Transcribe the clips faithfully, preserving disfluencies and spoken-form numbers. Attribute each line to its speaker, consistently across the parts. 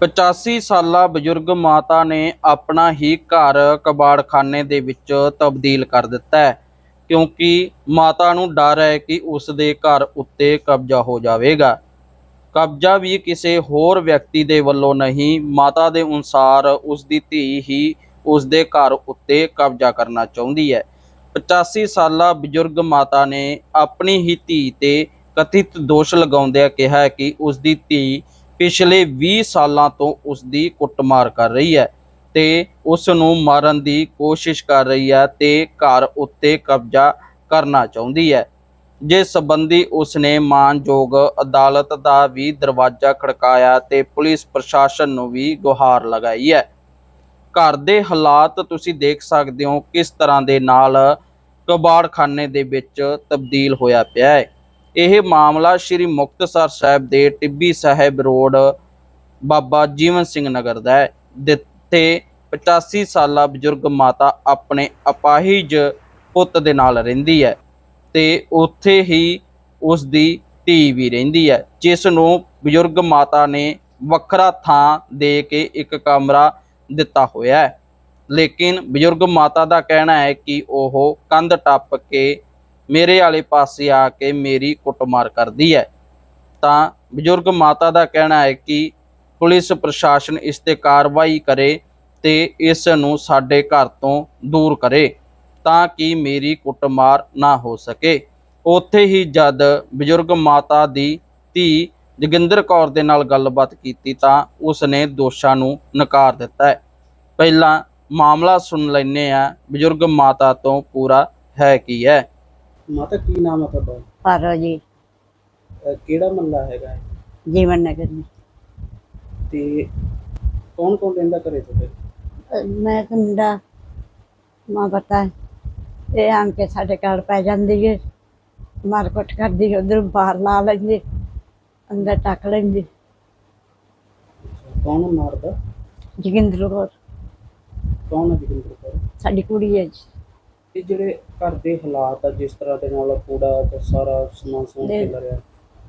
Speaker 1: ਪਚਾਸੀ ਸਾਲਾ ਬਜ਼ੁਰਗ ਮਾਤਾ ਨੇ ਆਪਣਾ ਹੀ ਘਰ ਕਬਾੜਖਾਨੇ ਦੇ ਵਿੱਚ ਤਬਦੀਲ ਕਰ ਦਿੱਤਾ ਹੈ, ਕਿਉਂਕਿ ਮਾਤਾ ਨੂੰ ਡਰ ਹੈ ਕਿ ਉਸ ਦੇ ਘਰ ਉੱਤੇ ਕਬਜ਼ਾ ਹੋ ਜਾਵੇਗਾ। ਕਬਜ਼ਾ ਵੀ ਕਿਸੇ ਹੋਰ ਵਿਅਕਤੀ ਦੇ ਵੱਲੋਂ ਨਹੀਂ, ਮਾਤਾ ਦੇ ਅਨੁਸਾਰ ਉਸ ਦੀ ਧੀ ਹੀ ਉਸ ਦੇ ਘਰ ਉੱਤੇ ਕਬਜ਼ਾ ਕਰਨਾ ਚਾਹੁੰਦੀ ਹੈ। ਪਚਾਸੀ ਸਾਲਾ ਬਜ਼ੁਰਗ ਮਾਤਾ ਨੇ ਆਪਣੀ ਹੀ ਧੀ ਤੇ ਕਥਿਤ ਦੋਸ਼ ਲਗਾਉਂਦਿਆਂ ਕਿਹਾ ਕਿ ਉਸ ਦੀ ਧੀ ਪਿਛਲੇ ਵੀਹ ਸਾਲਾਂ ਤੋਂ ਉਸ ਦੀ ਕੁੱਟਮਾਰ ਕਰ ਰਹੀ ਹੈ ਤੇ ਉਸ ਨੂੰ ਮਾਰਨ ਦੀ ਕੋਸ਼ਿਸ਼ ਕਰ ਰਹੀ ਹੈ ਤੇ ਘਰ ਉੱਤੇ ਕਬਜ਼ਾ ਕਰਨਾ ਚਾਹੁੰਦੀ ਹੈ, ਜਿਸ ਸੰਬੰਧੀ ਉਸਨੇ ਮਾਣਯੋਗ ਅਦਾਲਤ ਦਾ ਵੀ ਦਰਵਾਜ਼ਾ ਖੜਕਾਇਆ ਤੇ ਪੁਲਿਸ ਪ੍ਰਸ਼ਾਸਨ ਨੂੰ ਵੀ ਗੁਹਾਰ ਲਗਾਈ ਹੈ। ਘਰ ਦੇ ਹਾਲਾਤ ਤੁਸੀਂ ਦੇਖ ਸਕਦੇ ਹੋ ਕਿਸ ਤਰ੍ਹਾਂ ਦੇ ਨਾਲ ਕਬਾੜਖਾਨੇ ਦੇ ਵਿੱਚ ਤਬਦੀਲ ਹੋਇਆ ਪਿਆ ਹੈ। ਇਹ ਮਾਮਲਾ ਸ਼੍ਰੀ ਮੁਕਤਸਰ ਸਾਹਿਬ ਦੇ ਟਿੱਬੀ ਸਾਹਿਬ ਰੋਡ ਬਾਬਾ ਜੀਵਨ ਸਿੰਘ ਨਗਰ ਦਾ ਹੈ, ਜਿੱਥੇ ਪਚਾਸੀ ਸਾਲਾ ਬਜ਼ੁਰਗ ਮਾਤਾ ਆਪਣੇ ਅਪਾਹਿਜ ਪੁੱਤ ਦੇ ਨਾਲ ਰਹਿੰਦੀ ਹੈ ਤੇ ਉੱਥੇ ਹੀ ਉਸ ਦੀ ਧੀ ਵੀ ਰਹਿੰਦੀ ਹੈ, ਜਿਸ ਨੂੰ ਬਜ਼ੁਰਗ ਮਾਤਾ ਨੇ ਵੱਖਰਾ ਥਾਂ ਦੇ ਕੇ ਇੱਕ ਕਮਰਾ ਦਿੱਤਾ ਹੋਇਆ ਹੈ। ਲੇਕਿਨ ਬਜ਼ੁਰਗ ਮਾਤਾ ਦਾ ਕਹਿਣਾ ਹੈ ਕਿ ਉਹ ਕੰਧ ਟੱਪ ਕੇ ਮੇਰੇ ਵਾਲੇ ਪਾਸੇ ਆ ਕੇ ਮੇਰੀ ਕੁੱਟਮਾਰ ਕਰਦੀ ਹੈ। ਤਾਂ ਬਜ਼ੁਰਗ ਮਾਤਾ ਦਾ ਕਹਿਣਾ ਹੈ ਕਿ ਪੁਲਿਸ ਪ੍ਰਸ਼ਾਸਨ ਇਸ ਤੇ ਕਾਰਵਾਈ ਕਰੇ ਤੇ ਇਸ ਨੂੰ ਸਾਡੇ ਘਰ ਤੋਂ ਦੂਰ ਕਰੇ ਤਾਂ ਕਿ ਮੇਰੀ ਕੁੱਟਮਾਰ ਨਾ ਹੋ ਸਕੇ। ਉੱਥੇ ਹੀ ਜਦ ਬਜ਼ੁਰਗ ਮਾਤਾ ਦੀ ਧੀ ਜੋਗਿੰਦਰ ਕੌਰ ਦੇ ਨਾਲ ਗੱਲਬਾਤ ਕੀਤੀ ਤਾਂ ਉਸਨੇ ਦੋਸ਼ਾਂ ਨੂੰ ਨਕਾਰ ਦਿੱਤਾ ਹੈ। ਪਹਿਲਾਂ ਮਾਮਲਾ ਸੁਣ ਲੈਂਦੇ ਆ ਬਜ਼ੁਰਗ ਮਾਤਾ ਤੋਂ ਪੂਰਾ ਹੈ ਕੀ ਹੈ।
Speaker 2: ਮਾਤਾ ਕੀ ਨਾਮ ਹੈ ਤੁਹਾਡਾ?
Speaker 3: ਪਾਰੋ ਜੀ,
Speaker 2: ਅਹ ਕਿਹੜਾ ਮਹੱਲਾ ਹੈਗਾ ਹੈ?
Speaker 3: ਜੀਵਨ ਨਗਰ में।
Speaker 2: ਤੇ ਕੌਣ ਕੌਣ ਰਹਿੰਦਾ ਘਰੇ ਤੁਹਾਡੇ?
Speaker 3: ਅਹ ਮੈਂ ਤੇ ਮੁੰਡਾ ਮਾਂ ਪਤਾ ਇਹ ਆਣ ਕੇ ਸਾਡੇ ਘਰ ਪੈ ਜਾਂਦੀ ਹੈ, ਮਾਰ ਕੁੱਟ ਕਰਦੀ, ਉਧਰ ਬਾਹਰ ਲਾ ਲੈਂਦੀ, ਅੰਦਰ ਟੱਕ ਲੈਂਦੀ।
Speaker 2: ਕੌਣ ਮਾਰਦਾ?
Speaker 3: ਜੋਗਿੰਦਰ ਕੌਰ
Speaker 2: ਕੌਣ ਹੈ ਜੋਗਿੰਦਰ ਕੌਰ?
Speaker 3: ਸਾਡੀ ਕੁੜੀ ਹੈ ਜੀ।
Speaker 2: ਇਹ ਜਿਹੜੇ ਘਰ ਦੇ ਹਾਲਾਤ ਆ, ਜਿਸ ਤਰ੍ਹਾਂ ਦੇ ਨਾਲ ਕੂੜਾ ਤੇ ਸਾਰਾ ਸਮਾਨ ਸਮੂਨ
Speaker 3: ਦੇ-
Speaker 2: ਖਿਲ ਰਿਹਾ,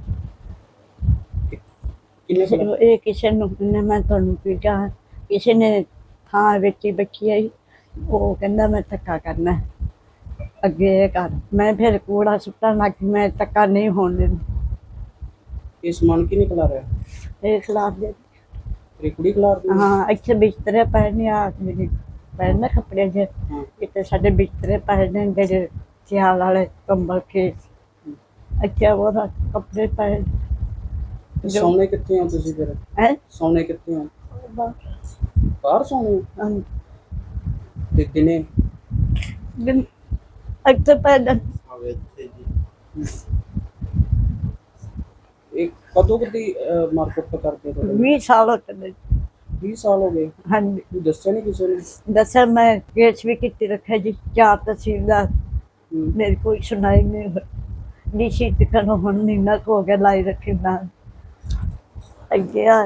Speaker 2: ਇਹ ਕਿੰਨੇ ਕੁ ਦਾ-
Speaker 3: ਇਹ ਕਿਸੇ ਨੂੰ ਨੇ ਮੈਂ ਤੁਹਾਨੂੰ ਕੀ ਕਹਾਂ, ਕਿਸੇ ਨੇ ਥਾਂ ਵਿੱਚ ਹੀ ਬੱਚੀ ਆਈ, ਉਹ ਕਹਿੰਦਾ ਮੈਂ ਧੱਕਾ ਕਰਨਾ ਅੱਗੇ ਇਹ ਕਰ, ਮੈਂ ਫਿਰ ਕੂੜਾ ਸੁੱਟਣ ਲੱਗ ਗਈ, ਮੈਂ ਧੱਕਾ ਨਹੀਂ ਹੋਣ ਦਿੰਦੀ।
Speaker 2: ਇਹ ਸਮਾਨ ਕਿੰਨੇ ਖਿਲਾ ਰਿਹਾ?
Speaker 3: ਇਹ ਖਿਲਾਫ ਦੇ
Speaker 2: ਤੇਰੀ ਕੁੜੀ ਖਿਲਾ ਰਹੀ ਹੈ?
Speaker 3: ਹਾਂ, ਇੱਥੇ ਬਿਸਤਰੇ ਪਏ ਨੇ, ਆ ਮੇਰੇ ਪਏ ਨੇ ਕੱਪੜੇ ਜਿਹੇ,
Speaker 2: ਹਾਂ।
Speaker 3: ਇੱਥੇ ਸਾਡੇ ਬਿਸਤਰੇ ਪਏ ਨੇ ਜਿਹੜੇ ਸਿਆਲ ਵਾਲੇ ਕੰਬਲ ਖੇਸ, ਇੱਥੇ ਉਹਦਾ ਕੱਪੜੇ ਪਏ
Speaker 2: ਤੇ ਸੌਣੇ ਕਿੱਥੇ ਹੋ ਤੁਸੀਂ ਫਿਰ?
Speaker 3: ਹੈ।
Speaker 2: ਸੌਣੇ ਕਿੱਥੇ ਹੋ? ਬਾਹਰ ਸੌਣੇ ਹੋ? ਤੇ ਦਿਨੇ?
Speaker 3: ਇੱਥੇ ਪਏ ਨੇ।
Speaker 2: ਇਹ ਕਦੋਂ ਕਦੀ ਮਾਰਕੁੱਟ ਕਰਦੇ ਤੁਹਾਡੇ?
Speaker 3: ਵੀਹ ਸਾਲ ਹੋ ਚਲੇ।
Speaker 2: ਵੀਹ ਸਾਲ ਹੋ ਗਏ?
Speaker 3: ਹਾਂਜੀ,
Speaker 2: ਤੂੰ ਦੱਸਿਆ ਨਹੀਂ ਕਿਸੇ ਨੇ?
Speaker 3: ਦੱਸਿਆ ਮੈਂ ਕੇਸ ਵੀ ਕੀਤੀ ਰੱਖਿਆ ਜੀ, ਚਾਰ ਤਹਿਸੀਲਦਾਰ,
Speaker 2: ਹੂੰ।
Speaker 3: ਮੇਰੀ ਕੋਈ ਸੁਣਾਈ ਨਹੀਂ। ਡੀਸੀ ਤੱਕ ਹੁਣ ਮਹੀਨਾ ਕੁ ਹੋ ਗਿਆ ਲਾਈ ਰੱਖੀ ਨਾ ਅੱਗੇ ਆ।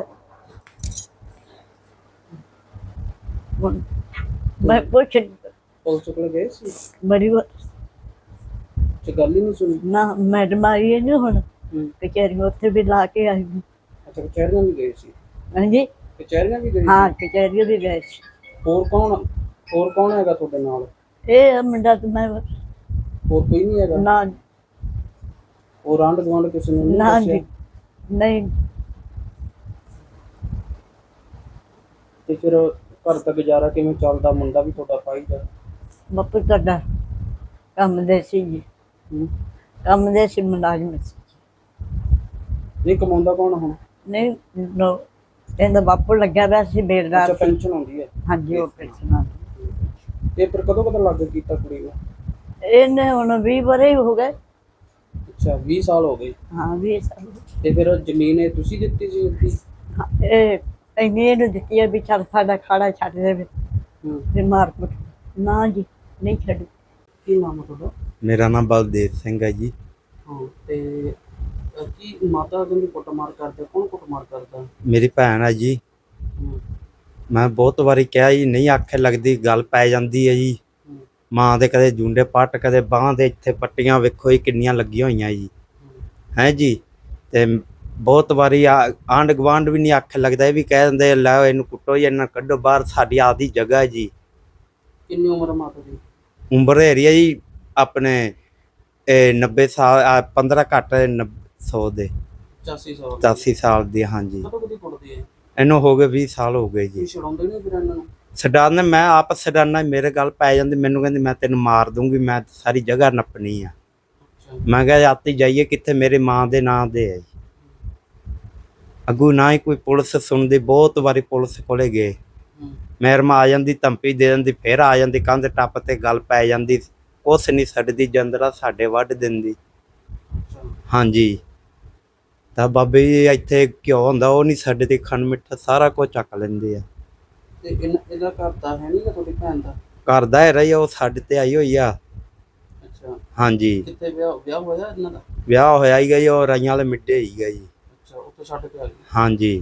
Speaker 3: ਹੁਣ ਮੈਂ ਪੁੱਛ
Speaker 2: ਪੁਲਿਸ ਕੋਲ ਗਏ ਸੀ?
Speaker 3: ਬੜੀ ਵਾਰ
Speaker 2: ਤੇ ਗੱਲ ਹੀ ਨਹੀਂ ਸੁਣੀ?
Speaker 3: ਨਾ ਮੈਡਮ ਆਈ ਹੈ ਨਾ ਹੁਣ
Speaker 2: ਹੂੰ।
Speaker 3: ਕਚਹਿਰੀ, ਉੱਥੇ ਵੀ ਲਾ ਕੇ ਆਈ ਹਾਂ।
Speaker 2: ਅੱਛਾ, ਕਚਹਿਰੀਆਂ ਵੀ ਗਏ ਸੀ?
Speaker 3: ਹਾਂਜੀ,
Speaker 2: ਕਚਹਿਰੀਆਂ ਵੀ ਗਏ
Speaker 3: ਹਾਂ
Speaker 2: ਸੀ?
Speaker 3: ਕਚਹਿਰੀ ਵੀ ਗਏ ਸੀ।
Speaker 2: ਹੋਰ ਕੌਣ ਹੋਰ ਕੌਣ ਹੈਗਾ ਤੁਹਾਡੇ ਨਾਲ?
Speaker 3: ਇਹ ਮੁੰਡਾ ਤੇ ਮੈਂ
Speaker 2: ਹੋਰ ਕੋਈ ਨਹੀਂ ਹੈਗਾ?
Speaker 3: ਨਾ
Speaker 2: ਹੋਰ ਆਂਢ ਗੁਆਂਢ ਕਿਸੇ ਨੂੰ ਨਹੀਂ
Speaker 3: ਨਾ
Speaker 2: ਦੱਸਿਆ?
Speaker 3: ਜੀ, ਨਹੀਂ।
Speaker 2: ਤੇ ਫਿਰ ਘਰ ਦਾ ਗੁਜ਼ਾਰਾ ਕਿਵੇਂ ਚੱਲਦਾ? ਮੁੰਡਾ ਵੀ ਤੁਹਾਡਾ ਪਾਈ ਜਾ?
Speaker 3: ਬਾਪੂ ਤੁਹਾਡਾ ਕੰਮ ਦੇ ਸੀ ਜੀ,
Speaker 2: ਹੂੰ।
Speaker 3: ਕੰਮ ਦੇ ਸੀ, ਮੁਲਾਜ਼ਮ ਸੀ।
Speaker 2: ਨਹੀਂ ਕਮਾਉਂਦਾ ਕੌਣ ਹੁਣ?
Speaker 3: ਨਹੀਂ ਨੋ, ਇਹਦਾ ਬਾਪੂ ਲੱਗਿਆ ਪਿਆ ਸੀ
Speaker 2: ਅੱਛਾ,
Speaker 3: ਬੇਲਦਾਰ।
Speaker 2: ਪੈਨਸ਼ਨ ਆਉਂਦੀ ਹੈ?
Speaker 3: ਹਾਂਜੀ, ਉਹ ਪੈਨਸ਼ਨ।
Speaker 2: ਤੇ ਫਿਰ ਕਦੋਂ ਕਦੋਂ ਲੱਗ ਕੀਤਾ ਕੁੜੀ ਨੂੰ?
Speaker 3: ਇਹਨੇ ਹੁਣ ਵੀਹ ਵਰੇ ਹੋ ਗਏ।
Speaker 2: ਅੱਛਾ, ਵੀਹ ਸਾਲ ਹੋ ਗਏ?
Speaker 3: ਹਾਂ, ਵੀਹ ਸਾਲ।
Speaker 2: ਤੇ ਫਿਰ ਜ਼ਮੀਨ ਇਹ ਤੁਸੀਂ ਦਿੱਤੀ ਸੀ ਉਸਦੀ?
Speaker 3: ਹਾਂ, ਇਹ ਇੰਨੀ ਇਹਨੂੰ ਦਿੱਤੀ ਹੈ ਵੀ ਚੱਲ ਸਾਡਾ ਖਾੜਾ ਛੱਡ ਦੇਵੇ,
Speaker 2: ਹੂੰ।
Speaker 3: ਫਿਰ ਮਾਰ ਕੁੱਟ। ਨਾ ਜੀ, ਨਹੀਂ ਛੱਡ।
Speaker 2: ਕੀ ਨਾਮ ਹੈ ਤੁਹਾਡਾ?
Speaker 4: ਮੇਰਾ ਨਾਮ ਬਲਦੇਵ ਸਿੰਘ ਹੈ ਜੀ।
Speaker 2: ਹਾਂ, ਤੇ ਅਹ, ਕੀ ਮਾਤਾ ਕਹਿੰਦੀ ਕੁੱਟਮਾਰ ਕਰਦੇ? ਕੌਣ ਕੁੱਟਮਾਰ ਕਰਦਾ?
Speaker 4: ਮੇਰੀ ਭੈਣ ਹੈ ਜੀ।
Speaker 2: ਹੂੰ।
Speaker 4: ਮੈਂ ਬਹੁਤ ਵਾਰੀ ਕਿਹਾ ਜੀ, ਨਹੀਂ ਆਖੇ ਲੱਗਦੀ, ਗੱਲ ਪੈ ਜਾਂਦੀ ਹੈ ਜੀ।
Speaker 2: ਹੂੰ।
Speaker 4: ਮਾਂ ਦੇ ਕਦੇ ਜੂੰਡੇ ਪੱਟ, ਕਦੇ ਬਾਂਹ ਦੇ ਇੱਥੇ ਪੱਟੀਆਂ ਵੇਖੋ ਜੀ ਕਿੰਨੀਆਂ ਲੱਗੀਆਂ ਹੋਈਆਂ ਜੀ।
Speaker 2: ਹੂੰ।
Speaker 4: ਹੈ ਜੀ। ਤੇ ਬਹੁਤ ਵਾਰੀ ਆਂਢ ਗੁਆਂਢ ਵੀ ਨਹੀਂ ਆਖੇ ਲੱਗਦਾ, ਇਹ ਵੀ ਕਹਿ ਦਿੰਦੇ ਲੈ ਇਹਨੂੰ ਕੁੱਟੋ ਜਾਂ ਇਹਨਾਂ ਕੱਢੋ ਬਾਹਰ, ਸਾਡੀ ਆਪਦੀ ਜਗ੍ਹਾ ਹੈ ਜੀ।
Speaker 2: ਕਿੰਨੀ ਉਮਰ ਆ ਮਾਤਾ ਦੀ?
Speaker 4: ਉਮਰ ਏਰੀਆ ਜੀ ਆਪਣੇ ਇਹ ਨੱਬੇ ਸਾਲ, ਪੰਦਰਾਂ ਘੱਟ ਸੌ ਦੇ
Speaker 2: ਪਚਾਸੀ ਸਾਲ
Speaker 4: ਪਚਾਸੀ ਸਾਲ ਦੀ। ਹਾਂਜੀ
Speaker 2: ਕਦੋਂ ਕਦੀ ਕੁੱਟਦੀ ਹੈ?
Speaker 4: ਇਹਨੂੰ ਹੋ ਗਏ ਵੀਹ ਸਾਲ ਹੋ ਗਏ ਜੀ।
Speaker 2: ਕੋਈ ਛਡਾਉਂਦੇ ਨਹੀਂ ਫਿਰ ਇਹਨਾਂ ਨੂੰ?
Speaker 4: ਛਡਾਉਂਦੇ, ਮੈਂ ਆਪ ਛਡਾਨਾ, ਮੇਰੇ ਗੱਲ ਪੈ ਜਾਂਦੀ, ਮੈਨੂੰ ਕਹਿੰਦੀ ਮੈਂ ਤੈਨੂੰ ਮਾਰ ਦੂੰਗੀ, ਮੈਂ ਸਾਰੀ ਜਗ੍ਹਾ ਨੱਪਣੀ ਆ।
Speaker 2: ਅੱਛਾ।
Speaker 4: ਮੈਂ ਕਿਹਾ ਆਤੀ ਜਾਈਏ ਕਿੱਥੇ, ਮੇਰੇ ਮਾਂ ਦੇ ਨਾਂ ਦੇ ਹੈ ਜੀ। ਅੱਗੂ ਨਾ ਹੀ ਕੋਈ ਪੁਲਿਸ ਸੁਣਦੀ, ਬਹੁਤ ਵਾਰੀ ਪੁਲਿਸ ਕੋਲੇ ਗਏ,
Speaker 2: ਹੂੰ।
Speaker 4: ਮੈਡਮ ਆ ਜਾਂਦੀ ਧਮਕੀ ਦੇ ਦਿੰਦੀ, ਫਿਰ ਆ ਜਾਂਦੀ ਕੰਧ ਟੱਪ ਤੇ ਗੱਲ ਪੈ ਜਾਂਦੀ, ਕੁਛ ਨਹੀਂ ਛੱਡਦੀ, ਜੰਦਰਾ ਸਾਡੇ ਵੱਢ ਦਿੰਦੀ।
Speaker 2: ਅੱਛਾ।
Speaker 4: ਹਾਂਜੀ ਤਾਂ ਬਾਬੇ ਜੀ ਇੱਥੇ ਘਿਓ ਹੁੰਦਾ ਉਹ ਨਹੀਂ ਛੱਡਦੇ, ਖੰਡ ਮਿੱਠਾ ਸਾਰਾ ਕੁਝ ਚੱਕ ਲੈਂਦੇ ਆ।
Speaker 2: ਤੇ ਇਹਨਾਂ ਇਹਦਾ ਘਰ ਦਾ ਹੈ ਨਹੀਂ ਗਾ ਤੁਹਾਡੀ ਭੈਣ ਦਾ?
Speaker 4: ਘਰ ਦਾ ਹੈ ਰਹੀ, ਉਹ ਸਾਡੇ ਤੇ ਆਈ ਹੋਈ ਆ।
Speaker 2: ਅੱਛਾ।
Speaker 4: ਹਾਂਜੀ
Speaker 2: ਕਿੱਥੇ ਵਿਆਹ ਵਿਆਹ ਹੋਇਆ ਇਹਨਾਂ ਦਾ?
Speaker 4: ਵਿਆਹ ਹੋਇਆ ਹੀ ਗਈ, ਉਹ ਰਾਈਆਂ ਵਾਲੇ ਮਿੱਡੇ ਹੀ ਗਈ।
Speaker 2: ਅੱਛਾ, ਉੱਥੇ ਛੱਡ ਕੇ ਆ ਗਈ।
Speaker 4: ਹਾਂਜੀ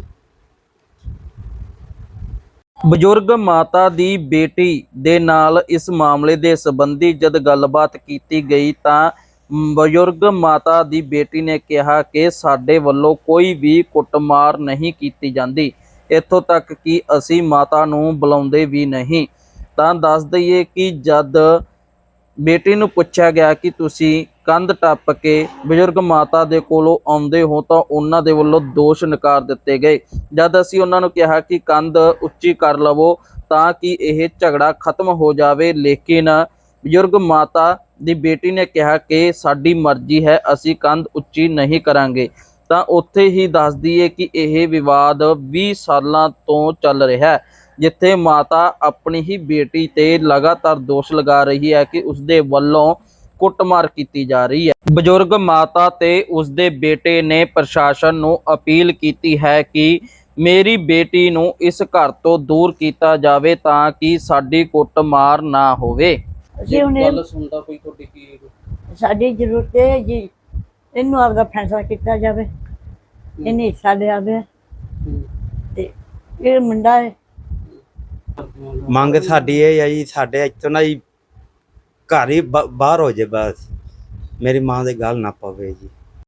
Speaker 1: ਬਜ਼ੁਰਗ ਮਾਤਾ ਦੀ ਬੇਟੀ ਦੇ ਨਾਲ ਇਸ ਮਾਮਲੇ ਦੇ ਸੰਬੰਧੀ ਜਦ ਗੱਲਬਾਤ ਕੀਤੀ ਗਈ ਤਾਂ ਬਜ਼ੁਰਗ ਮਾਤਾ ਦੀ ਬੇਟੀ ਨੇ ਕਿਹਾ ਕਿ ਸਾਡੇ ਵੱਲੋਂ ਕੋਈ ਵੀ ਕੁੱਟਮਾਰ ਨਹੀਂ ਕੀਤੀ ਜਾਂਦੀ, ਇੱਥੋਂ ਤੱਕ ਕਿ ਅਸੀਂ ਮਾਤਾ ਨੂੰ ਬੁਲਾਉਂਦੇ ਵੀ ਨਹੀਂ। ਤਾਂ ਦੱਸ ਦਈਏ ਕਿ ਜਦ ਬੇਟੀ ਨੂੰ ਪੁੱਛਿਆ ਗਿਆ ਕਿ ਤੁਸੀਂ ਕੰਧ ਟੱਪ ਕੇ ਬਜ਼ੁਰਗ ਮਾਤਾ ਦੇ ਕੋਲੋਂ ਆਉਂਦੇ ਹੋ ਤਾਂ ਉਹਨਾਂ ਦੇ ਵੱਲੋਂ ਦੋਸ਼ ਨਕਾਰ ਦਿੱਤੇ ਗਏ। ਜਦ ਅਸੀਂ ਉਹਨਾਂ ਨੂੰ ਕਿਹਾ ਕਿ ਕੰਧ ਉੱਚੀ ਕਰ ਲਵੋ ਤਾਂ ਕਿ ਇਹ ਝਗੜਾ ਖਤਮ ਹੋ ਜਾਵੇ, ਲੇਕਿਨ ਬਜ਼ੁਰਗ ਮਾਤਾ ਦੀ ਬੇਟੀ ਨੇ ਕਿਹਾ ਕਿ ਸਾਡੀ ਮਰਜ਼ੀ ਹੈ, ਅਸੀਂ ਕੰਧ ਉੱਚੀ ਨਹੀਂ ਕਰਾਂਗੇ। ਤਾਂ ਉੱਥੇ ਹੀ ਦੱਸ ਦਈਏ ਕਿ ਇਹ ਵਿਵਾਦ ਵੀਹ ਸਾਲਾਂ ਤੋਂ ਚੱਲ ਰਿਹਾ ਹੈ, ਜਿੱਥੇ ਮਾਤਾ ਆਪਣੀ ਹੀ ਬੇਟੀ ਤੇ ਲਗਾਤਾਰ ਦੋਸ਼ ਲਗਾ ਰਹੀ ਹੈ ਕਿ ਉਸਦੇ ਵੱਲੋਂ ਕੁੱਟਮਾਰ ਕੀਤੀ ਜਾ ਰਹੀ ਹੈ। ਬਜ਼ੁਰਗ ਮਾਤਾ ਤੇ ਉਸਦੇ ਬੇਟੇ ਨੇ ਪ੍ਰਸ਼ਾਸਨ ਨੂੰ ਅਪੀਲ ਕੀਤੀ ਹੈ ਕਿ ਮੇਰੀ ਬੇਟੀ ਨੂੰ ਇਸ ਘਰ ਤੋਂ ਦੂਰ ਕੀਤਾ ਜਾਵੇ ਤਾਂ ਕਿ ਸਾਡੀ ਕੁੱਟਮਾਰ ਨਾ ਹੋਵੇ।
Speaker 3: ਅਸੀਂ ਹੁਣ ਇਹ-
Speaker 2: ਗੱਲ ਸੁਣਦਾ ਕੋਈ ਤੁਹਾਡੀ ਕੀ?
Speaker 3: ਸਾਡੀ ਜ਼ਰੂਰਤ ਹੈ ਜੀ, ਇਹਨੂੰ ਆਪਦਾ ਫੈਸਲਾ ਕੀਤਾ ਜਾਵੇ, ਇਹਨੇ ਹਿੱਸਾ ਲਿਆ ਵੇ
Speaker 2: ਹੂੰ।
Speaker 3: ਤੇ ਇਹ ਮੁੰਡਾ ਹੈ।
Speaker 4: ਮੰਗ ਸਾਡੀ ਇਹ ਹੈ ਜੀ, ਸਾਡੇ ਇੱਥੋਂ ਨਾ ਜੀ ਘਰ ਹੀ ਬ- ਬਾਹਰ ਹੋ ਜੇ, ਬਸ ਮੇਰੀ ਮਾਂ ਦੇ ਗੱਲ ਨਾ ਪਵੇ ਜੀ।